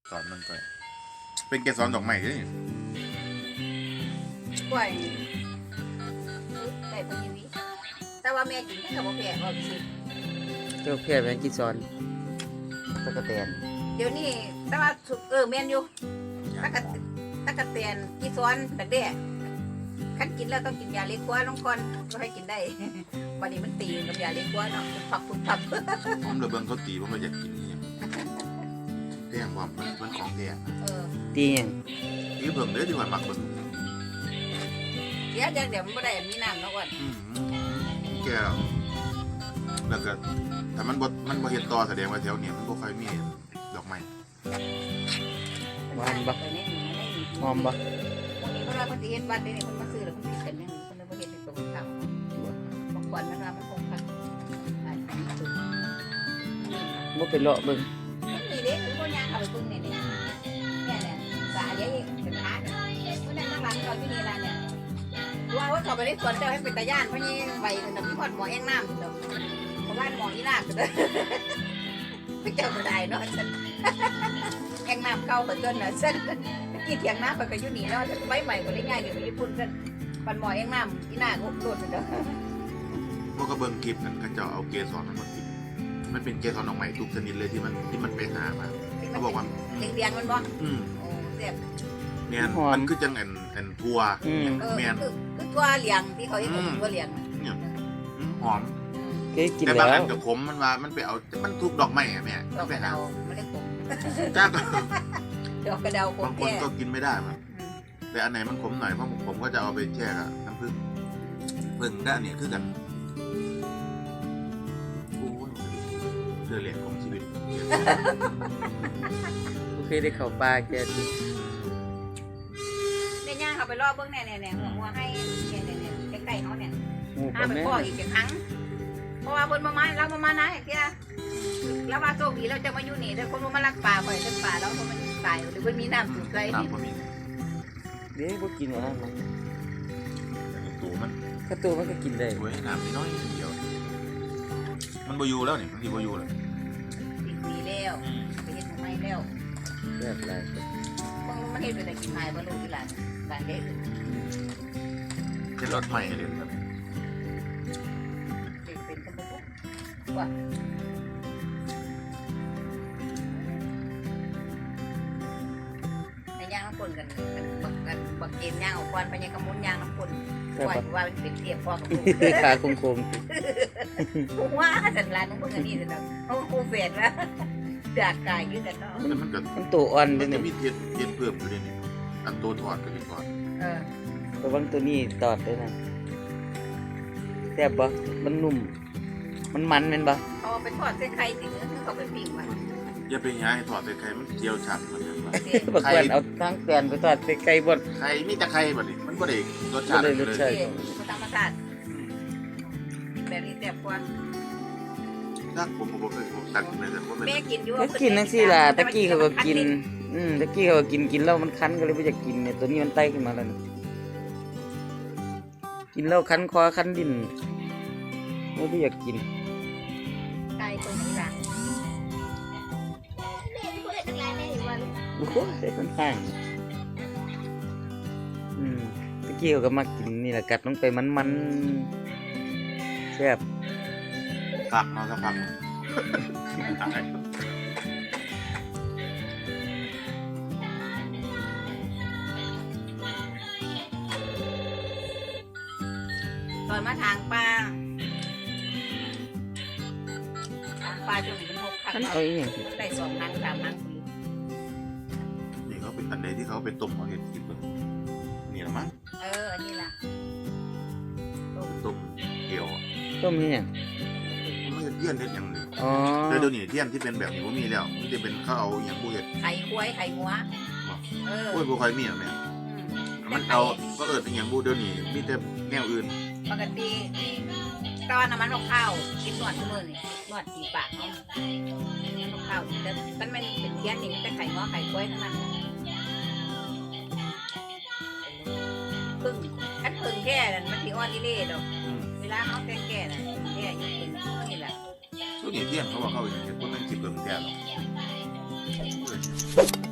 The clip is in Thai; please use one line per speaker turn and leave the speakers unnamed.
สอนมันก็เป็นเกสรดอกไม้ด้วย
กล้วยได้พอดีวิแต่ว่าแม่กินแค่กับบ่แพ้บ่สิ
เจ้าแค่แมงกีซอนตะกะแตน
เดี๋ยวนี้แต่ว่าแม่นอยู่ตะกะแตนกีซ้อนดักแด้คันกินแล้วต้องกินยาเล็กกว่าลงก่อนก็ให้กินได้ วันนี้มันตีกับยาเล็กกว่าเนาะผักผัก
ผมเลยเบิ่งเขาตีผมก็อยากกินนี่แท่งว่ามันของแท้
ตีหยัง
นี่เบิ่งเด้อที่ว่ามักเบิ่ง
เดี๋ยวมันบ่ได้มีน้ำเนาะก่อน
แก่แล้วก็ถ้ามันบ่เฮ็ดต่อแสดงว่าแถวนี้มันบ่ค่อยมีดอกไม้
หวานบ่หอมบ่
วันนี้เพิ่นว่าเพิ่นสิเฮ็ดวัดเด้นี่เพิ่นมาซื้อแล้วเพิ่นปิดกันยังเพิ่นเลยบ่เฮ็ดเป็นตัวของเขาบางคนมันว่ามันคงคัก
บ่ไปเลาะเบิ่ง
นี่เด้คือบ่ย่างเข้าไปเบิ่งนี่เนี่ยสาใหญ่เป็นหาเนี่ยเพิ่นนั่งข้างหลังเราอยู่นี่ล่ะเนี่ยว่าเขาไปได้สวนเจ้าให้เป็นตาย่านเพราะนี่ใบนั่นน่ะมีพอดหมอแองน้ำเด้อเพราะว่าหมออีลากเด้อเจ้าก็ได้เนาะฉันแองน้ำเข้ากับต้นน่ะฉันกี่เถียงน้ำไปก็อยู่นี่เนาะใบใหม่ก็ได้ง่ายเดี๋ยวไปญี่ปุ่นฉันปันหมอแองน้ำอีหน้าก็โดดเด้อ
พวกก็เบิ่งคลิปนั่นเขาจะเอาเกสรมันมากินมันเป็นเกสรดอกไม้ทุกชนิดเลยที่มันไปหามาเขาบอกว่า
เลี้ยงมันบ่โอ้เสียบ
เนี่ยมันคือจังอันทัวแม่น
คือตัวเลี้ยงที่เขาเรียกตัวเลี้ยง
เนี่ยหอม
เคยกิน
แต่
แล้
บางอั
วน
กับขมมันว่ามันไปเอามันทุกดอกไม้อะแม่
ดอกกระเดาไม่ได้ขม
จ้าก็
ดอกกระเดาขม
บางคน
แก่
ก็กินไม่ได้มันแต่อันไหนมันขมหน่อยเพราะผมก็จะเอาไปแช่กับน้ำผึ้งผึ้งด้านนี้คือกันโอ้ยเรื่องเหรียญของชีวิต
บ่เคยได้เข้าป่าแกสิ
เนี่ยย่างเขาไปรอบเบื้องเนี่ยหัวให้เนี่ยใกล้ๆเขาเนี่ย
หมู่
ห้า
บ่
ไป
แม่
พ่ออีกครั้งเพราะว่าคนมาเรามานะอย่างเงี้ยแล้วว่าโชคดีเราจะมาอยู่นี่แต่คนมาลักป่าบ่อยจนป่าแล้วมันตายหรือมันมีน้ำสูบไร
น้ำก็มี
เด้บ่กินว่านั้นมัน
ตัวมัน
ถ้าตัวมันก็กินได้
สวยน้ำนิดน้อยเดียวมันบอยู่แล้วนี่มันที่บอยู่แล้ว
ปีแล้วไปเฮ็ดทำไมแล้ว
แบบไร
มันเฮ็ดเป็นกินหายบ่รู้ที่หลานเด็ก
เป็นรถใหม่เลยครับ
เป็นตะบุกว่าในย่างน้ำปนกันบักเกมย่างออกก่อนไปยังกระมุนย่างน้ำปนว่าว่าเป็นเทียบพ่อกับลูก
ขาคม
ว่าสันลานน้องเบิ่งอันนี้สิเนาะเขาคูเฟดแล้วเดือดกายยืดกันเนาะ
มันก็
ๆมันตัวอ่อน
มั
เด้
น
อ
จะ
นี่
มีเทียนเพิ่มอยู่เลยนี่อันตัวถอดก็ที่ถอด
ระวังตัวนี้ตอดด้วยนะแซ่บบ่มันนุ่ม มันมันแม่นบ่
เขาไปทอดเส้นไข่ติเนื้อเขาไปปิ้งมา
อย่าไปย้ายให้ถอดใส่ไข่มันเจียวฉับเหมือนกันว่า
บักกวนเอาทั้งแกนไปทอดใส่ไก่บ่
ไข่มีแต่ไข่แบบนี้มันก็ได้รส
บ่
ชาติ
ได้
เล
รส
ย
ชาติ
ธรรมชาติแบบนี้แซ่บกว่า
ถ้าผมเคยผมตัดเลยแต่ว่าเป็น
แม่กินอยู่
ก็กินจังซี่ล่ะตะกี้เขาก็กินตะกี้เขาก็กินแล้วมันคันก็เลยบ่อยากกินเนี่ยตัวนี้มันไต่ขึ้นมาแล้วนี่กินแล้วคันคอคันดินบ่อยากกิน
ไก่ตัวนี้ล่ะแม่ที่พูดได้ตั้งหลายแม่อยู่ว่าลูก
โอ้โหได้ค่อนข้างตะกี้เขาก็มากินนี่แหละกัดลงไปมันแซ่บ
ผักมาสักพักตาย
ตอนมาทางปลาจนถึง6 ครั้ง
คันเอาอีหยังสิ
ได้2 ครั้ง3 ครั้ง
นี่เขาเป็นอันใดที่เขาไปต้มเขาเห็ดกินเพิ่งนี่ละมั้ง
อันนี้ล่ะ
ต้มเกี๊ยว
ต้มนี่หยัง
มันไม่เทียนเด็ดอย่างนี้
อ๋อ
แต่เดี๋ยวนี้เทียนที่เป็นแบบนี้ผมมีแล้วมันจะเป็นเขาเอาอย่างผู้เห็ด
ไข่ควายไข่งัว
ผู้เห็ดผู้คอยมีอ่ะแม่มันเอาก็เป็นอย่างผู้เดี๋ยวนี้มีแต่แนวอื่น
ปกติตอนน้ำมันเอาข้าวกินนวดทุกมื้อนี่นวดตีปากเนาะเอาข้าวแต่มันไม่เป็นเทียนนี่มันแต่ไข่งัวไข่ควายทั้งนั้นพึ่งคันพึ่งแก่นั่นมันสิอ่อนอีเล่ดอกเวลาเขาแก่น่ะแก่อยู่พึ่งนี่แหละ
ตัวนี้เทียนเขาว่าเขาอย่างเงี้ยพวกนั้นคิดเบิ่งแก่หรอก